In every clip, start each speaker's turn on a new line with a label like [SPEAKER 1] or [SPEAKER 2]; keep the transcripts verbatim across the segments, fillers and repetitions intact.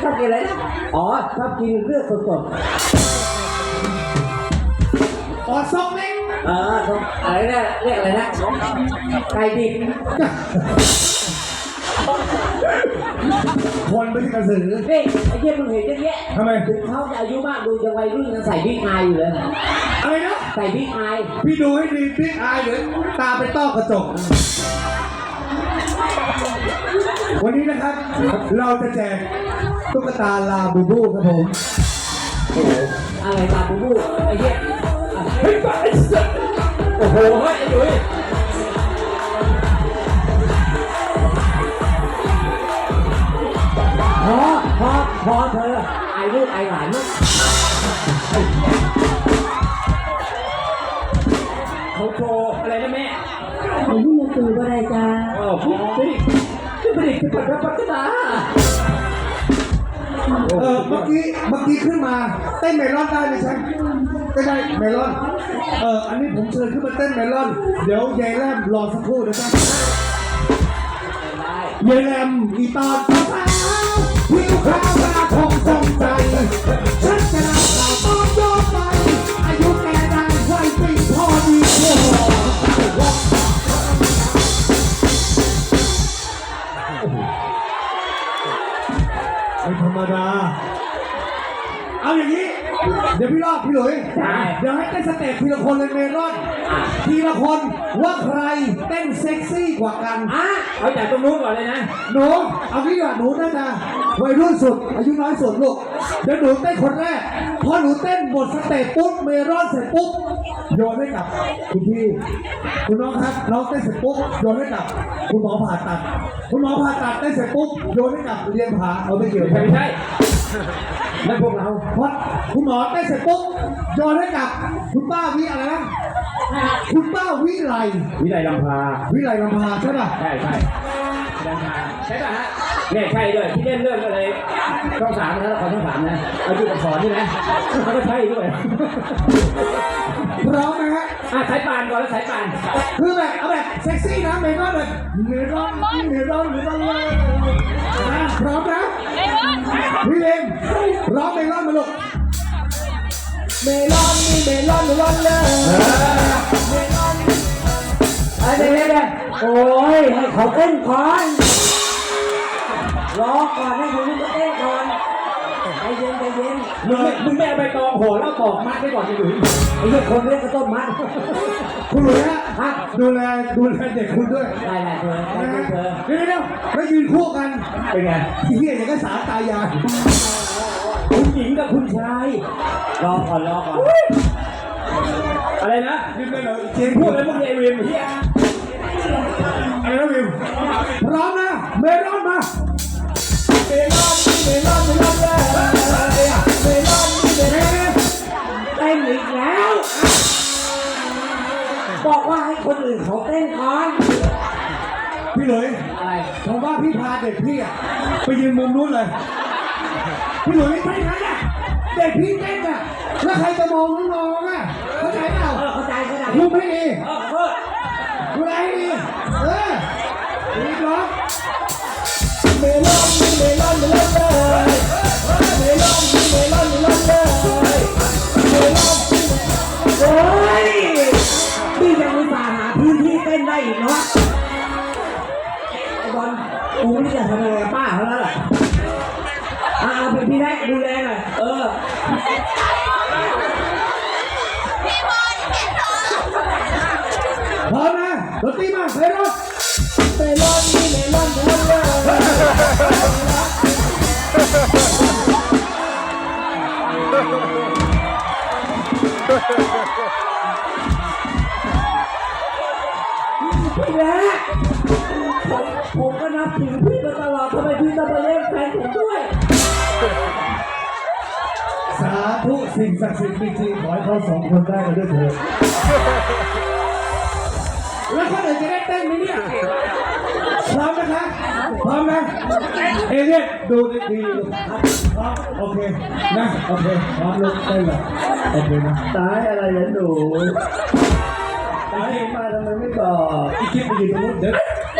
[SPEAKER 1] อบกินอะไรนะอ๋อชอบกินเลือดสด
[SPEAKER 2] ๆอ๋อซอกเล็ก
[SPEAKER 1] เอออะไรนะเรียกอะไรนะไก่ดิบ
[SPEAKER 2] คนไม่ใช่กระสือ
[SPEAKER 1] นี่ไอ้เหี้ยมึงเห็นเยอะแยะ
[SPEAKER 2] ทำไม
[SPEAKER 1] ถึงเขาจะอายุมากดูยังวัยรุ่นยังใส่บิ๊กอายอยู่เลย
[SPEAKER 2] อะไรนะ
[SPEAKER 1] ใส่บิ๊กอาย
[SPEAKER 2] พี่ดูให้ดีบิ๊กอายหรือตาไปต้อกระจกวันนี้นะครับเราจะแจกตุ๊กตาลาบูบูครับผม
[SPEAKER 1] อะไรลาบูบูไอ้เหี้ยเฮ้ยไอ้สัสโอ้โหเฮ้ยไอ้ดุ้ยพอพอพอเธอไอ้ลูกไอ้หลานมั้งเขาโชว์อะไรนะแม่
[SPEAKER 3] ไอ้ที่มันตื่นก็ได้จ้า
[SPEAKER 1] อ๋อพี่พี่พี่ประดิษฐ์ปัดปัดปัดตา
[SPEAKER 2] เออเมื่อกี้เมื่อกี้ขึ้นมาเต้นเมลอนได้ไหมใช่ก็ได้เมลอนเอออันนี้ผมเชิญขึ้นมาเต้นเมลอนเดี๋ยวยายแรมรอสักครู่นะครับยายแรมอีตอนสาวผิวขาวหน้าทองทรงใจฉันจะนำข่าวตอนย้อนไปอายุแกได้ไว้ปีพอดีโอ้ไม่ธรรมดาเอาอย่างนี้เดี๋ยวพี่รอดพี่หลุยเดี๋ยวให้เต้นสเต็ปทีละคนเลยเมลอนทีละคนว่าใครเต้นเซ็กซี่กว่ากัน
[SPEAKER 1] อ่ะเอาจากตรงนู้นก่อนเลยนะ
[SPEAKER 2] หนูเอาพี่ก่อนหนูน่าจะวัยรุ่นสุดอายุน้อยสุดลูกเดี๋ยวหนูเต้นคนแรกพอหนูเต้นหมดสเต็ปปุ๊บเมลอนเสร็จปุ๊บโยนให้กับคุณพี่คุณน้องครับน้องเต้นเสร็จปุ๊บโยนให้กับคุณหมอผ่าตัดคุณหมอผ่าตัดเต้นเสร็จปุ๊บโยนให้กับเรียนผาเอาไม่เกี่ยว
[SPEAKER 1] ไม่ใช่นั่นพวกเรา
[SPEAKER 2] เพราะคุณหมอเต้นเสร็จปุ๊บโยนให้กับคุณป้าวิอะไรนะคุณป้าวิไล
[SPEAKER 1] วิไลลำพา
[SPEAKER 2] วิไลลำพาใช่ป่ะ
[SPEAKER 1] ใช่ใช่ลำพาใช่ป่ะฮะเนี่ยใช่ด้วยที่เล่นเรื่องอะไรช่องสามนะละครช่องสามนะเอาดูกับสอนนี่นะเขาก็ใช่ด้วย
[SPEAKER 2] พร้อมไหมฮะ
[SPEAKER 1] อ่ะสายป่านก่อนแล้วสายป่าน
[SPEAKER 2] คือแบบเอาแบบเซ็กซี่นะเมลอนแบบเมลอนเมลอนเมลอนเลยพร้อมนะพี่เลมร้องเมลอนมาลูก
[SPEAKER 1] เมลอนนี่เมลอนเมลอนเลยเมลอนอะไรเนี่ยโอ้ยให้เขาเต้นก่อนรอก่อนให้เขาเต้นก่อนใจเย็นใจเย็นมึงมึงไม่เอาใบตองห่อแล้วตอกมัดไว้ก่อนจะหลุยไอ้เรื่องคนเรียกกระต้นมัด
[SPEAKER 2] คุณหลุยฮะดูแลดูแลเด็กคุณด้วย
[SPEAKER 1] ได้ได้เธอได้เธอ
[SPEAKER 2] เดี๋ยวเดี๋ยวแล้วยืนคู่กัน
[SPEAKER 1] เป็นไง
[SPEAKER 2] ที่เฮียอย่างก็สาตายาย
[SPEAKER 1] คุณหญิงกับคุณชายรอก่อนรอก่อนอะไรนะ
[SPEAKER 2] ยืนได้เลย
[SPEAKER 1] เจมพูดอะไรพวกนี้วิมเฮีย
[SPEAKER 2] อะไรนะวิมพร้อมนะเมลอนมา
[SPEAKER 1] เมลอนเมลอนเมลอนเลยเมลอนเมลอนเต้นอีกแล้วบอกว่าให้คนอื่นเขาเต้นก่อน
[SPEAKER 2] พี่หลุย
[SPEAKER 1] อะไร
[SPEAKER 2] ผมว่าพี่พาเด็กพี่อะไปยืนมุมนู้นเลยพี่หลุยไม่ใช่นะเด็กพี่เต้นอะแล้วใครจะมองน้องๆอะเข้าใจเปล่า
[SPEAKER 1] เข้าใจเข้าใจ
[SPEAKER 2] พูดไม่ดี
[SPEAKER 1] พูด
[SPEAKER 2] พูดอะไรดีเออดีหรอ
[SPEAKER 1] เมลอนเมลอนเมลอนเลยเมลอนเมลอนเมลอนเลยเมลอนโอ้ยพี่ยังอุตส่าห์หาพื้นที่เต้นได้อีกเนาะไอ้บอลกูนี่จะทำอะไรป้าเขาแล้วแหละอ่าเป็นพี่แรกดูแลหน่อยเออ
[SPEAKER 2] พร้อมนะดนตรีมาเมลอน
[SPEAKER 1] เมลอนนี่เมลอนเมลอนเลยพี่แรกผมผมก็นับถือพี่มาตลอดทำไมพี่ต้องมาเล่นแฟนผมด้วย
[SPEAKER 2] สาธุสิ่งศักดิ์สิทธิ์จริงๆขอให้เขาสองคนได้กันด้วยเถิดแล้วคนอื่นจะได้เต้นไหมเนี่ยพร้อมนะคะพร้อมนะเอเลี่ยนดูดีๆพร้อมโอเคนะโอเคพร้อมลุกเต้นเลยโอเคนะ
[SPEAKER 1] ตายอะไรเนี่ยหนูตายมาทำไมไม่บอก
[SPEAKER 2] อีกคลิปไปยืนตรงนู้นเดี๋ยว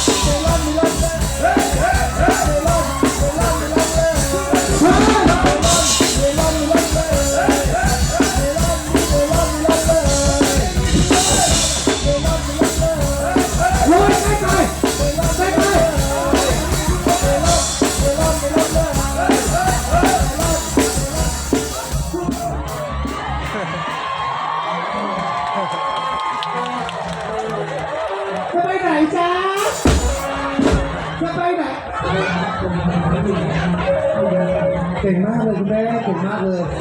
[SPEAKER 2] โรยใกล้ไปใกล้ไปจะไปไหนจ๊ะจะไปไหนเก่งมากเลยคุณแม่เก่งมากเลย